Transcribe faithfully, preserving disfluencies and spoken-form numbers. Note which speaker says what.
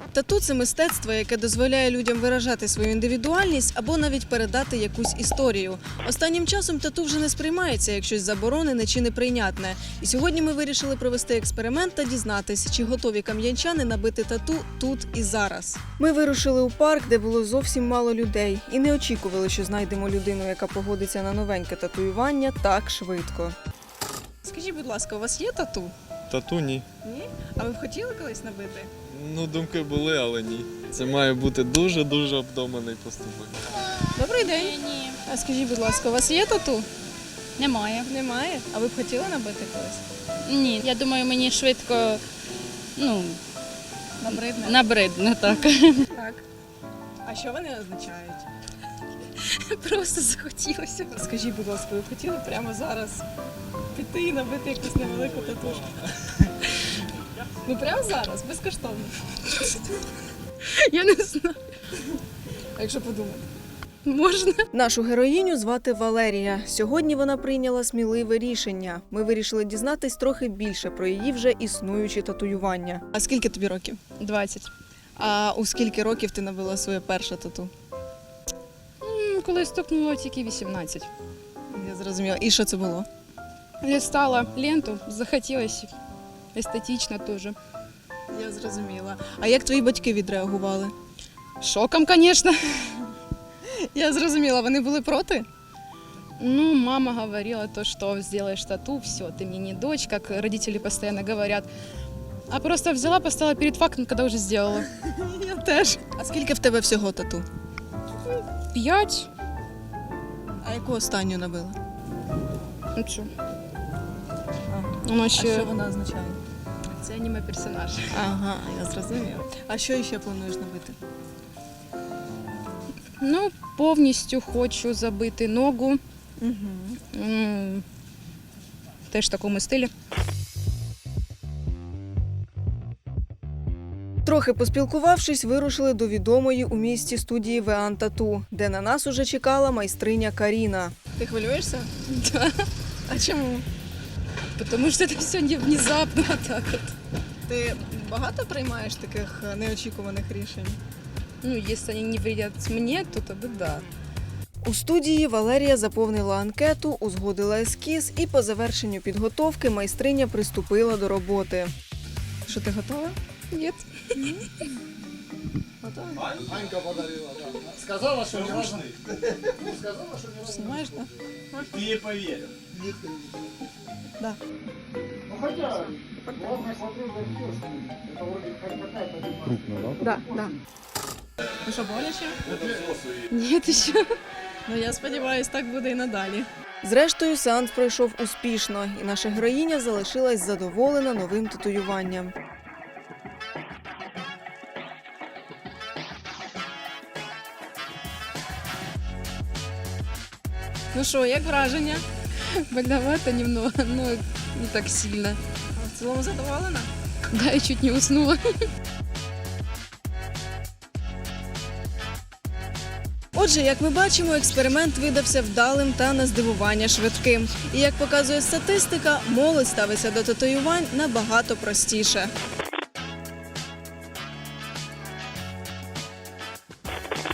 Speaker 1: Тату – це мистецтво, яке дозволяє людям виражати свою індивідуальність або навіть передати якусь історію. Останнім часом тату вже не сприймається як щось заборонене чи неприйнятне. І сьогодні ми вирішили провести експеримент та дізнатися, чи готові кам'янчани набити тату тут і зараз. Ми вирушили у парк, де було зовсім мало людей. І не очікували, що знайдемо людину, яка погодиться на новеньке татуювання так швидко. Скажіть, будь ласка, у вас є тату?
Speaker 2: Тату ні.
Speaker 1: Ні? А ви б хотіли колись набити?
Speaker 2: Ну, думки були, але ні. Це має бути дуже-дуже обдуманий поступок.
Speaker 1: Добрий день.
Speaker 3: Ні,
Speaker 1: А скажіть, будь ласка, у вас є тату?
Speaker 3: немає.
Speaker 1: Немає. А ви б хотіли набити колись?
Speaker 3: Ні, я думаю, мені швидко, ну,
Speaker 1: Набридне?
Speaker 3: набридно, так.
Speaker 1: Так. А що вони означають?
Speaker 3: Просто захотілося.
Speaker 1: Скажіть, будь ласка, ви б хотіли прямо зараз піти і набити якусь невелику татушку? Ну прямо зараз, безкоштовно.
Speaker 3: Я не знаю.
Speaker 1: А якщо подумати?
Speaker 3: Можна.
Speaker 1: Нашу героїню звати Валерія. Сьогодні вона прийняла сміливе рішення. Ми вирішили дізнатись трохи більше про її вже існуючі татуювання. А скільки тобі років?
Speaker 3: двадцять.
Speaker 1: А у скільки років ти набила своє перше тату?
Speaker 3: М, Коли стукнуло тільки вісімнадцять.
Speaker 1: Я зрозуміла. І що це було?
Speaker 3: Я стала ленту, захотілося. Естетично теж.
Speaker 1: Я зрозуміла. А як твої батьки відреагували?
Speaker 3: Шоком, звісно.
Speaker 1: Я зрозуміла, вони були проти?
Speaker 3: Ну, мама говорила то, что сделаешь тату, все, ты мне не дочь, как родители постоянно говорят. А просто взяла, поставила перед фактом, когда уже сделала.
Speaker 1: Я теж. А скільки в тебе всього тату?
Speaker 3: П'ять.
Speaker 1: А яку останню набила?
Speaker 3: Ну що?
Speaker 1: А,
Speaker 3: Воно
Speaker 1: а що
Speaker 3: ще
Speaker 1: вона означає?
Speaker 3: це аніме персонаж.
Speaker 1: Ага, я зрозуміла. А що ще плануєш набити?
Speaker 3: Ну, повністю хочу забити ногу.
Speaker 1: Угу.
Speaker 3: М, Теж в такому стилі.
Speaker 1: Трохи поспілкувавшись, вирушили до відомої у місті студії Веан Тату, де на нас уже чекала майстриня Каріна. Ти хвилюєшся?
Speaker 3: Да.
Speaker 1: А чому?
Speaker 3: Тому що це все не внезапно так от.
Speaker 1: Ти багато приймаєш таких неочікуваних рішень?
Speaker 3: Ну, якщо вони не вредять мені, то тоді да.
Speaker 1: У студії Валерія заповнила анкету, узгодила ескіз і по завершенню підготовки майстриня приступила до роботи. Що, ти готова?
Speaker 3: Ні.
Speaker 1: Готова?
Speaker 4: Анька подарила, да. Сказала, что не важно. Сказала, что не важно.
Speaker 1: Знімаєш, так?
Speaker 2: Ти їй повірив.
Speaker 1: Да.
Speaker 4: Ну хотя, главное, смотрю, растешь. Это вроде как какая-то крупная, да?
Speaker 1: Да, да. Ну що, боляче?
Speaker 3: Ні, ще.
Speaker 1: Ну, я сподіваюся, так буде і надалі. Зрештою, сеанс пройшов успішно, і наша героїня залишилась задоволена новим татуюванням. Ну що, як враження?
Speaker 3: Больновато немного, но не так сильно.
Speaker 1: В цілому задоволена?
Speaker 3: Да, я чуть не уснула.
Speaker 1: Отже, як ми бачимо, експеримент видався вдалим та на здивування швидким. І як показує статистика, молодь ставиться до татуювань набагато простіше.